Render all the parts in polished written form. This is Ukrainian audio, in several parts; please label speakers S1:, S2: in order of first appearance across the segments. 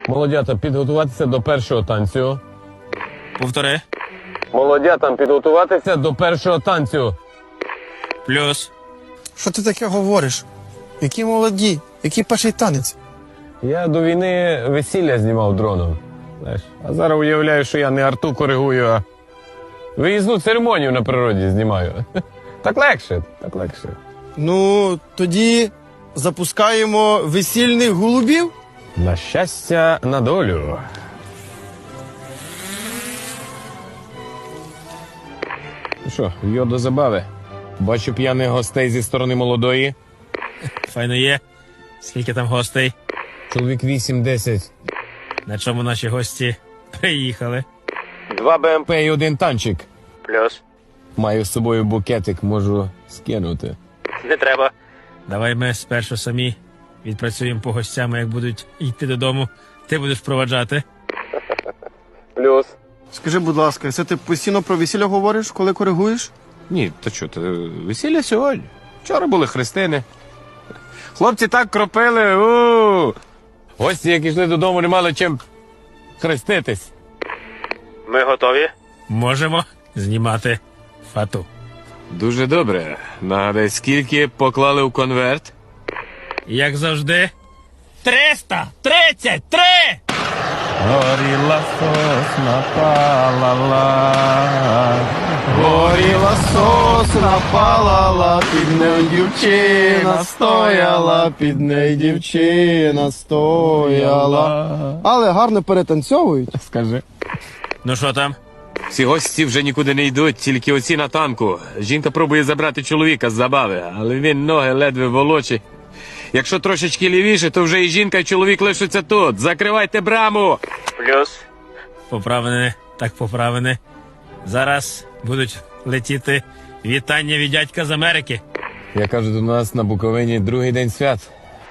S1: Молодята, підготуватися до першого танцю.
S2: Повтори.
S1: Молодятам підготуватися до першого танцю.
S2: Плюс.
S3: Що ти таке говориш? Які молоді? Який перший танець?
S1: Я до війни весілля знімав дроном. Знаєш, а зараз уявляю, що я не арту коригую, а виїзну церемонію на природі знімаю. Так легше, так легше.
S3: Ну, тоді запускаємо весільних голубів?
S1: На щастя, на долю. Ну що, йо до забави. Бачу п'яних гостей зі сторони молодої.
S2: Файно є. Скільки там гостей?
S1: Чоловік 8-10.
S2: На чому наші гості приїхали?
S1: 2 БМП і 1 танчик.
S2: Плюс.
S1: Маю з собою букетик, можу скинути.
S2: Не треба. Давай ми спершу самі відпрацюємо по гостям, а як будуть йти додому, ти будеш проваджати.
S1: Плюс.
S3: Скажи, будь ласка, це ти постійно про весілля говориш, коли коригуєш?
S1: Ні, то що, то весілля сьогодні. Вчора були хрестини. Хлопці так кропили. Гості, як йшли додому, не мали чим хреститись.
S2: Ми готові? Можемо знімати фату.
S1: Дуже добре. Нагадай, скільки поклали в конверт?
S2: Як завжди. 333!
S1: Горіла сосна, палала, горіла сосна, палала, під нею дівчина стояла, під нею дівчина стояла.
S3: Але гарно перетанцьовують.
S1: Скажи.
S2: Ну що там?
S1: Всі гості вже нікуди не йдуть, тільки оці на танку. Жінка пробує забрати чоловіка з забави, але він ноги ледве волочить. Якщо трошечки лівіше, то вже і жінка, і чоловік лишаться тут. Закривайте браму!
S2: Плюс. Поправлене, так поправлене. Зараз будуть летіти вітання від дядька з Америки.
S1: Я кажу, до нас на Буковині другий день свят.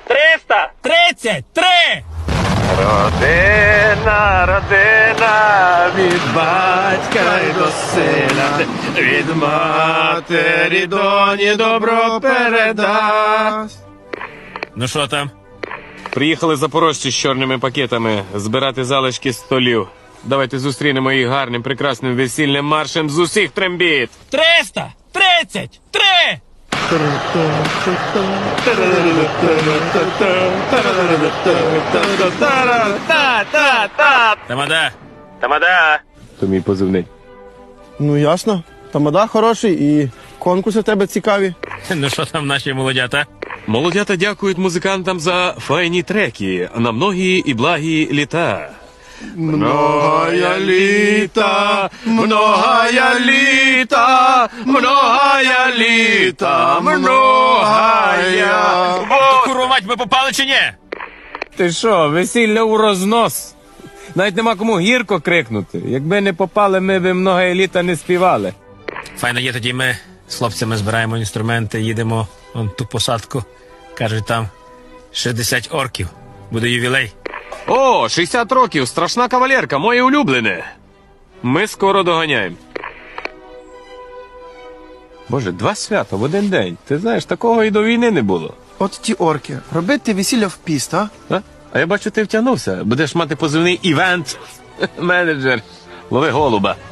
S2: 333!
S1: Родина, родина, від батька й до сина, від матері доні добро передасть.
S2: Ну що там?
S1: Приїхали запорожці з чорними пакетами збирати залишки столів. Давайте зустрінемо їх гарним, прекрасним весільним маршем з усіх трембіт.
S2: 333! Тамада! Тамада!
S1: То мій позивний.
S3: Ну, ясно. Тамада хороший і конкурси в тебе цікаві.
S2: Ну що там наші молодята?
S1: Молодята дякують музикантам за файні треки на многі і благі літа. Многая літа, многая літа, многая літа, многая.
S2: Курва мать, ми попали чи ні?
S1: Ти що, весілля у рознос? Навіть нема кому гірко крикнути. Якби не попали, ми б многая літа не співали.
S2: Файно є, тоді ми з хлопцями збираємо інструменти, їдемо вон ту посадку. Кажуть, там 60 орків. Буде ювілей.
S1: О, 60 років, страшна кавалерка, моє улюблене. Ми скоро доганяємо. Боже, 2 свята в один день. Ти знаєш, такого і до війни не було.
S3: От ті орки. Робити весілля в піст, а?
S1: А я бачу, ти втягнувся. Будеш мати позивний івент-менеджер. Лови голуба.